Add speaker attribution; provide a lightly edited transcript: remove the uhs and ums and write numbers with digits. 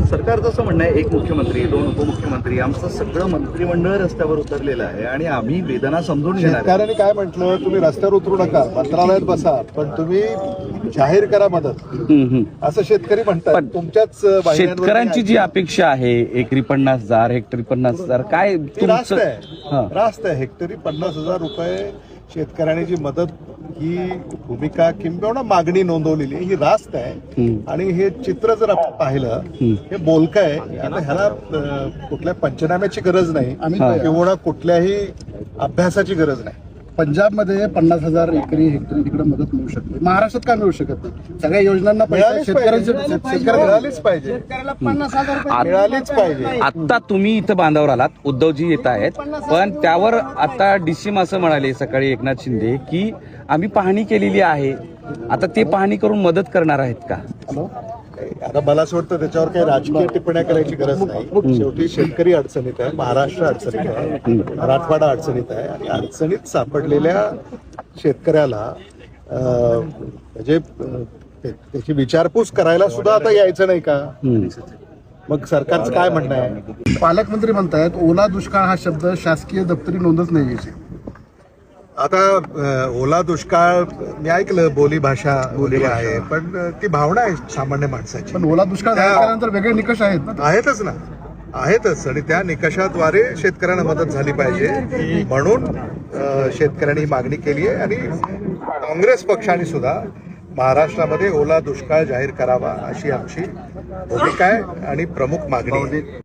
Speaker 1: सरकारचं असं म्हणणं आहे, एक मुख्यमंत्री, दोन उपमुख्यमंत्री, आमचं सगळं मंत्रिमंडळ रस्त्यावर उतरलेलं आहे आणि आम्ही वेदना समजून घेणार आहे.
Speaker 2: शेतकऱ्यांनी काय म्हटलं, तुम्ही रस्त्यावर उतरू नका, मंत्रालयात बसा, पण तुम्ही जाहीर करा मदत, असं शेतकरी म्हणतात. तुमच्याच
Speaker 3: शेतकऱ्यांची जी अपेक्षा आहे एकरी 50,000 हेक्टरी 50,000 काय
Speaker 2: रास्त आहे. हेक्टरी 50,000 रुपये शेतकऱ्यांनी जी मदत ही भूमिका किंबहुना मागणी नोंदवलेली ही रास्त आहे. आणि हे चित्र जर आपण पाहिलं हे बोलकं आहे. आता ह्याला कुठल्या पंचनाम्याची गरज नाही किंवा कुठल्याही अभ्यासाची गरज नाही.
Speaker 4: पंजाबमध्ये 50,000 एकरी हेक्टरी तिकडे मदत मिळू शकते, महाराष्ट्रात का मिळू शकत नाही? सगळ्या योजनांना
Speaker 2: शेतकऱ्याला मिळालीच पाहिजे. मिळालीच पाहिजे.
Speaker 3: आता तुम्ही इथं बांधावर आलात, उद्धवजी येत आहेत, पण त्यावर आता डीसीएम असं म्हणाले सकाळी एकनाथ शिंदे की आम्ही पाहणी केलेली आहे, आता ते पाहणी करून मदत करणार आहेत का?
Speaker 2: आता मला असं वाटतं त्याच्यावर काही राजकीय टिप्पण्या करायची गरज नाही. शेवटी शेतकरी अडचणीत आहे, महाराष्ट्र अडचणीत आहे, मराठवाडा अडचणीत आहे आणि अडचणीत सापडलेल्या शेतकऱ्याला म्हणजे त्याची विचारपूस करायला सुद्धा आता यायचं नाही का? मग सरकारचं काय म्हणणं आहे?
Speaker 4: पालकमंत्री म्हणतायत ओला दुष्काळ हा शब्द शासकीय दप्तरी नोंदच नाही.
Speaker 2: आता ओला दुष्काळ मी ऐकलं, बोलीभाषा बोली आहे, पण ती भावना आहे सामान्य माणसाची.
Speaker 4: पण ओला दुष्काळ झाल्यानंतर वेगळे निकष आहेत ना?
Speaker 2: आहेतच आणि त्या निकषाद्वारे शेतकऱ्यांना मदत झाली पाहिजे म्हणून शेतकऱ्यांनी मागणी केली आहे. आणि काँग्रेस पक्षाने सुद्धा महाराष्ट्रामध्ये ओला दुष्काळ जाहीर करावा अशी आमची भूमिका आहे आणि प्रमुख मागणी आहे.